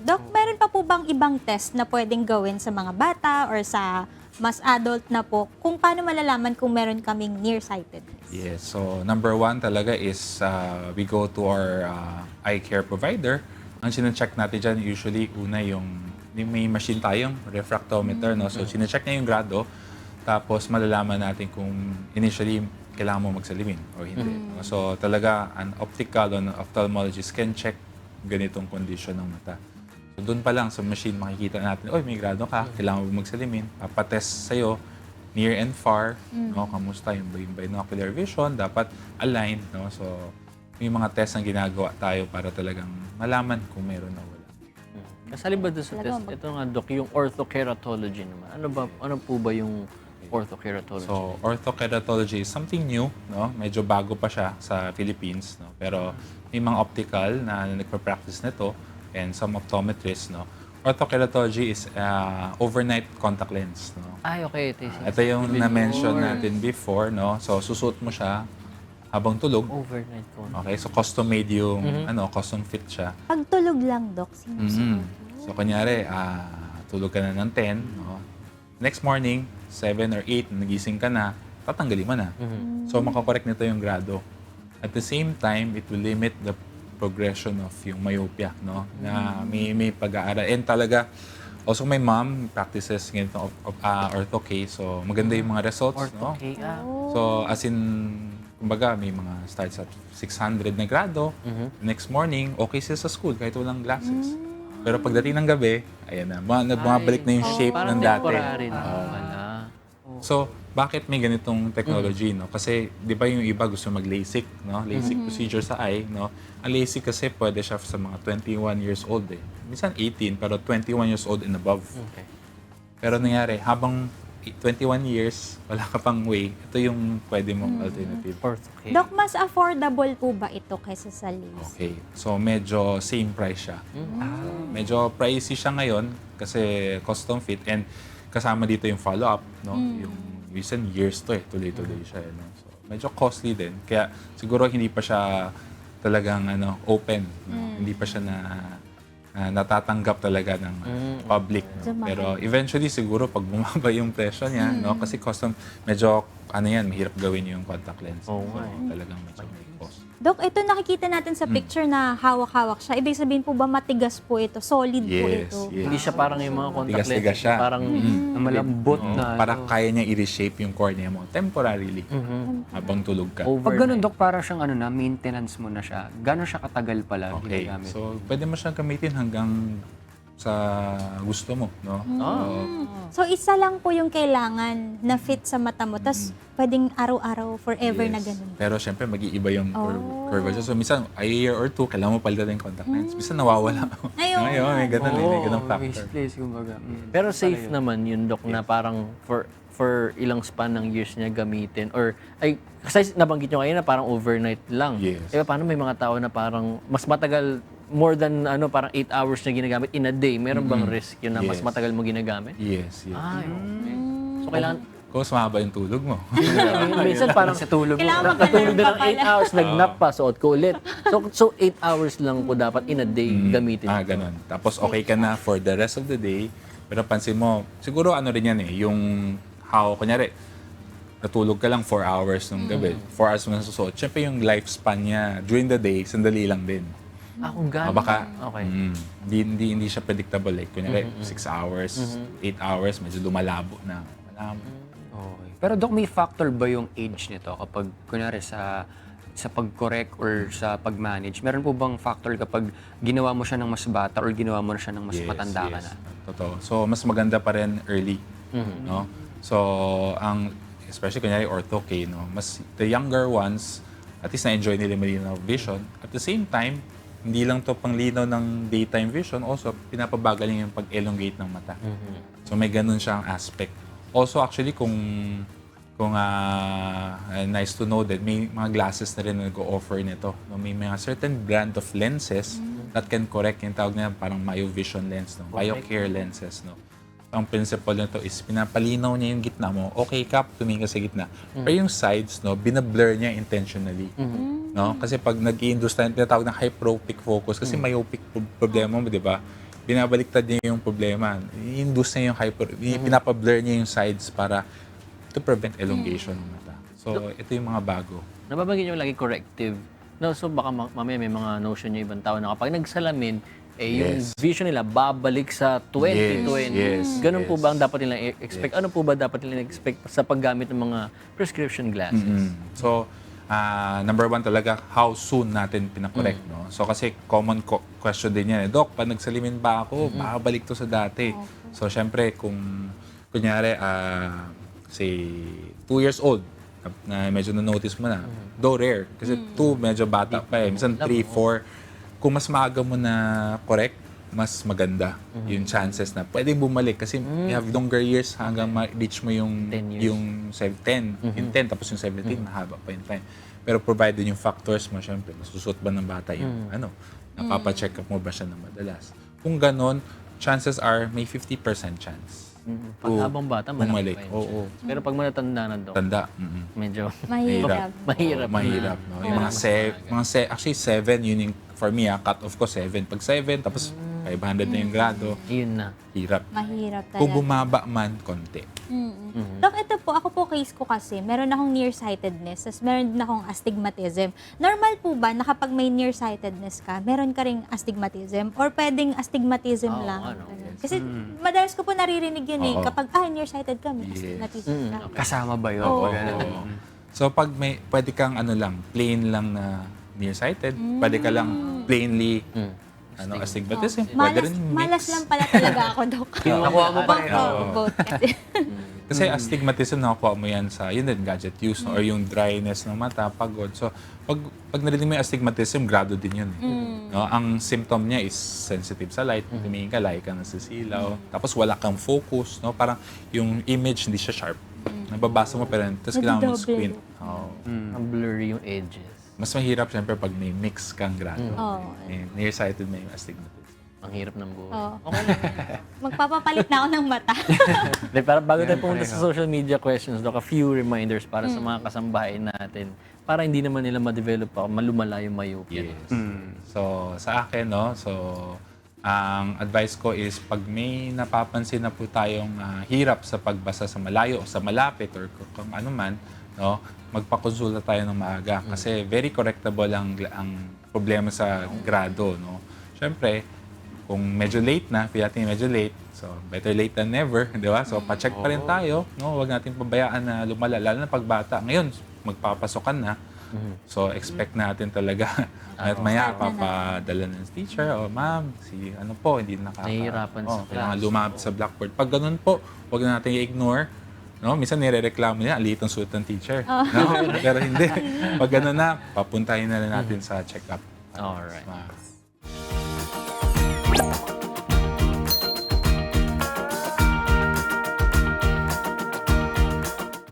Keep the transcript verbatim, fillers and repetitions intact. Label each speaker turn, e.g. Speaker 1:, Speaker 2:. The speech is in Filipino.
Speaker 1: Doc, meron pa po bang ibang test na pwedeng gawin sa mga bata or sa mas adult na po kung paano malalaman kung meron kaming nearsightedness?
Speaker 2: Yes. So, number one talaga is uh, we go to our uh, eye care provider. Ang sinecheck natin dyan, usually, una yung, yung may machine tayong refractometer, no? So, sinecheck niya yung grado. Tapos, malalaman natin kung initially, kailangan mo magsalimin o hindi. No? So, talaga, an optical or an ophthalmologist can check ganitong condition ng mata. So, doon pa lang sa machine, makikita natin, oy, may grado ka, kailangan mo magsalimin. Papatest sa'yo, near and far, no? Kamusta yung, yung binocular vision, dapat aligned, no? So, may mga test na ginagawa tayo para talagang malaman kung meron na wala.
Speaker 3: Kasali ba doon sa
Speaker 1: Talaga
Speaker 3: test?
Speaker 1: mag-
Speaker 3: Ito nga, Doc, yung orthokeratology naman. Ano ba, ano po ba yung orthokeratology?
Speaker 2: So, orthokeratology is something new, no? Medyo bago pa siya sa Philippines, no? Pero may mga optical na nagpa-practice nito and some optometrists, no? Orthokeratology is uh, overnight contact lens, no?
Speaker 3: Ay, okay. Ito,
Speaker 2: Ito yung na-mention natin before, no? So, susuot mo siya habang tulog.
Speaker 3: overnight contact.
Speaker 2: Okay, so custom-made yung, ano, custom fit siya.
Speaker 1: Pag tulog lang, Doc, sinusuot.
Speaker 2: Mhm. So, kunyari, ah, tulog ka na ng ten, no? Next morning, seven or eight, nagising ka na, tatanggalin mo na. So, makakorek nito yung grado. At the same time, it will limit the progression of yung myopia, no? Na may, may pag-aaral. And talaga, also my mom practices ganito of, of, uh, ortho-K, so maganda yung mga results, no?
Speaker 3: Ortho-K, ah.
Speaker 2: So, as in, kumbaga, may mga starts at six hundred na grado. Next morning, okay siya sa school kahit walang glasses. Pero pagdating ng gabi, ayan na, mga, bumabalik na yung shape
Speaker 3: Parang
Speaker 2: ng dati.
Speaker 3: temporary na pala.
Speaker 2: So, bakit may ganitong technology, no? Kasi, di ba yung iba gusto mag-LASIK, no? LASIK procedure sa eye, no? Ang LASIK kasi pwede siya sa mga twenty-one years old, eh. Minsan eighteen, pero twenty-one years old and above.
Speaker 3: Okay.
Speaker 2: Pero nangyari, habang twenty-one years, wala ka pang way, ito yung pwede mong alternative.
Speaker 3: Ortho-K.
Speaker 1: Doc, mas affordable po ba ito kaysa sa LASIK?
Speaker 2: Okay. So, medyo same price siya. Ah, medyo pricey siya ngayon kasi custom fit and kasama dito yung follow-up, no? Yung recent years to eh, tuloy-tuloy siya. Eh, no? So, medyo costly din. Kaya siguro hindi pa siya talagang ano, open. No? Hindi pa siya na na natatanggap talaga ng uh, public. No?
Speaker 1: So, mahal.
Speaker 2: Pero eventually siguro pag bumaba yung presyo niya, no? Kasi custom, medyo ano yan, mahirap gawin yung contact lens.
Speaker 3: Oo
Speaker 2: So,
Speaker 3: nga eh.
Speaker 2: talagang medyo may cost.
Speaker 1: Doc, ito nakikita natin sa picture na hawak-hawak siya. Ibig sabihin po ba matigas po ito? Solid po
Speaker 2: Yes,
Speaker 1: ito?
Speaker 2: yes.
Speaker 3: Hindi siya parang yung mga contact
Speaker 2: Tigas-tigas
Speaker 3: lenses.
Speaker 2: siya.
Speaker 3: Parang
Speaker 4: Na malambot
Speaker 2: Oo,
Speaker 4: na.
Speaker 2: para kaya niya i-reshape yung cornea mo temporarily habang tulog ka.
Speaker 3: over.
Speaker 4: Pag ganun, Dok, para siyang ano na, maintenance mo na siya. Gano'n siya katagal pala
Speaker 2: Okay.
Speaker 4: ginagamit?
Speaker 2: So, pwede mo siyang gamitin hanggang sa gusto mo, no?
Speaker 1: So, isa lang po yung kailangan na fit sa mata mo. Tapos, pwedeng araw-araw, forever na
Speaker 2: Yes.
Speaker 1: ganun.
Speaker 2: Pero syempre, mag-iiba yung cur-
Speaker 1: Oh.
Speaker 2: curvature. So, minsan, a year or two, kailangan mo palitan yung contact lens. Minsan, nawawala.
Speaker 1: Ayun.
Speaker 2: Ngayon, may ganun, eh, may ganun
Speaker 4: Oo,
Speaker 2: factor.
Speaker 4: misplace, kumbaga. Mm.
Speaker 3: Pero safe naman yun, Doc, na parang for for ilang span ng years niya gamitin. Or, ay, kasi nabanggit nyo kayo na parang overnight lang.
Speaker 2: Yes.
Speaker 3: Eh, paano may mga tao na parang mas matagal, more than ano parang eight hours na ginagamit in a day? Meron bang risk yun na mas
Speaker 2: Yes.
Speaker 3: matagal mo ginagamit?
Speaker 2: Yes, yes.
Speaker 3: Ay, okay. So, kailangan,
Speaker 2: Kung mas mahaba yung tulog mo.
Speaker 3: minsan parang
Speaker 4: Sa tulog mo.
Speaker 1: Kailangan
Speaker 3: natulog
Speaker 1: magkaroon
Speaker 3: na
Speaker 1: pa
Speaker 3: ng eight
Speaker 1: pala.
Speaker 3: hours, nag-nap pa, suot ko ulit. So, so eight hours lang po dapat in a day gamitin.
Speaker 2: Ah, ganun. Tapos okay ka na for the rest of the day. Pero pansin mo, siguro ano rin yan eh, yung how, kunyari, natulog ka lang four hours nung gabi, four hours mo nasusuot. Siyempre yung lifespan niya during the day, sandali lang din.
Speaker 3: Ah, kung
Speaker 2: Ah,
Speaker 3: gano'n.
Speaker 2: baka,
Speaker 3: Okay.
Speaker 2: mm, hindi, hindi, hindi siya predictable. Like, kunyari, six hours, eight hours, medyo lumalabo na. Malabo.
Speaker 4: Okay. Pero Dok, may factor ba yung age nito kapag, kunwari, sa sa pag-correct or sa pag-manage? Meron po bang factor kapag ginawa mo siya ng mas bata or ginawa mo na siya ng mas matanda ka na?
Speaker 2: Totoo. So, mas maganda pa rin early. No? So, ang, especially kunyari ortho-K, no? Mas, the younger ones, at least na-enjoy nila yung malinaw vision. At the same time, hindi lang to pang linaw ng daytime vision, also pinapabagal yung pag-elongate ng mata. So, may ganun siyang aspect. Also, actually, kung kung ah, nice to know that may mga glasses na rin na nag-offer nito. No? May mga certain brand of lenses that can correct yung tawag na parang myovision lens, no? Myocare lenses. No? Ang principle nito is pinapalinaw niya yung gitna mo. Okay ka, tumingin ka sa gitna. Pero yung sides, no, binablur niya intentionally. No? Kasi pag nag-i-induce tayo, tinatawag na hyperopic focus. Kasi myopic pro- problema mo, di ba? binabaliktad niya yung problema. I-induce niya yung hyper, pinapablur niya yung sides para to prevent elongation ng mata. So, ito yung mga bago.
Speaker 3: Nababanggit nyo lagi corrective. No, so baka ma- mamaya may mga notion yung ibang tao na kapag nagsalamin, eh yung
Speaker 2: Yes.
Speaker 3: vision nila babalik sa twenty twenty.
Speaker 2: Yes,
Speaker 3: Ganun po
Speaker 2: yes.
Speaker 3: ba ang dapat nilang i- expect? Ano po ba dapat nilang expect sa paggamit ng mga prescription glasses?
Speaker 2: Mm. So, ah, number one talaga, how soon natin pinakorek, no? So, kasi common co- question din yan, eh, Doc, pag nagsalimin ba ako, babalik to sa dati. So, syempre, kung, kunyari, ah, say, two years old, na medyo na-notice mo na, though rare, kasi two, medyo bata pa eh, minsan three, four, kung mas maaga mo na correct, mas maganda yung chances na pwedeng bumalik kasi you have longer years hanggang ma-reach mo yung
Speaker 3: ten years.
Speaker 2: yung seven, ten, yung ten tapos yung seventeen, mahaba pa yung time. Pero provided yung factors mo, syempre, nasusuot ba ng bata yung ano, napapacheck up mo ba siya na madalas. Kung ganon, chances are may fifty percent chance.
Speaker 3: Pag
Speaker 2: to
Speaker 3: habang bata,
Speaker 2: bumalik.
Speaker 3: malaki pa yun.
Speaker 2: Oo.
Speaker 3: Pero pag matatanda na, Dok,
Speaker 2: Tanda. Mm-mm.
Speaker 3: medyo
Speaker 1: Mahirap.
Speaker 3: mahirap.
Speaker 2: Oo, mahirap. No? Yung mga, se- mga se- actually, seven, yun yung, for me, ah, cut off ko, seven. Pag seven, tapos five hundred na yung grado,
Speaker 3: Yun na.
Speaker 2: hirap.
Speaker 1: Mahirap talaga.
Speaker 2: Kung bumaba man, konti.
Speaker 1: Mm-mm. Dok, ito po, ako po case ko kasi, meron akong nearsightedness, tapos meron din akong astigmatism. Normal po ba na kapag may nearsightedness ka, meron ka ring astigmatism? Or pwedeng astigmatism
Speaker 3: Oo,
Speaker 1: lang?
Speaker 3: ano,
Speaker 1: Ganun. Kasi madalas ko po naririnig yun eh,
Speaker 2: Oo.
Speaker 1: kapag, ah, nearsighted ka, may
Speaker 2: Yes.
Speaker 1: astigmatism ka.
Speaker 4: Kasama ba yun?
Speaker 1: Oo.
Speaker 4: Pag ganun?
Speaker 2: Oo. So, pag may, pwede kang ano lang, plain lang na nearsighted, pwede ka lang plainly, ano, astigmatism. Pwede
Speaker 1: Malas,
Speaker 2: rin mix.
Speaker 1: malas lang pala talaga ako, Dok.
Speaker 4: Nakuha mo pa rin.
Speaker 1: Oo, both kasi.
Speaker 2: Kasi astigmatism, nakukuha mo yan sa, yun din, gadget use, no? Or yung dryness ng mata, pagod. So, pag, pag narinig mo yung astigmatism, grado din yun. Eh. No? Ang symptom niya is sensitive sa light. Tumingin ka, lahi ka nasisilaw. Tapos wala kang focus. No? Parang yung image hindi siya sharp. Nababasa mo, pero tapos kailangan mo
Speaker 1: Nagdodoble.
Speaker 2: squint. Oo.
Speaker 3: Ang blurry yung edges.
Speaker 2: Mas mahirap, syempre, pag may mix kang grado.
Speaker 1: Oo.
Speaker 2: Eh, nearsighted may astigmatism.
Speaker 3: Ang hirap ng buhay.
Speaker 1: Oo.
Speaker 3: Okay lang.
Speaker 1: Magpapapalit na ako ng mata.
Speaker 3: De, para bago tayo pumunta sa social media questions, Dok, a few reminders para sa mga kasambahay natin para hindi naman nila ma-develop pa, malumala yung myopia.
Speaker 2: Yes. So, sa akin, no, so, ang advice ko is pag may napapansin na po tayong ah, hirap sa pagbasa sa malayo o sa malapit or kung, kung ano man, no, magpakonsulta tayo ng maaga kasi very correctable ang, ang problema sa grado. No? Siyempre, kung medyo late na, feel natin medyo late, so better late than never, di ba? So, pa-check pa rin tayo, no? Huwag natin pabayaan na lumala, lalo na pagbata. Ngayon, magpapasokan na. So, expect natin talaga at maya, papadala ng teacher, o ma'am, si ano po, hindi nakaka...
Speaker 3: Nahihirapan sa
Speaker 2: oh, kailangan
Speaker 3: class.
Speaker 2: lumab sa blackboard. Pag ganun po, huwag na natin i-ignore. No? Minsan nire-reklamo niya, ang liit ng suit ng teacher. No? Pero hindi. Pag ganun na, papuntahin na lang natin sa check-up.
Speaker 3: Alright.
Speaker 2: Mas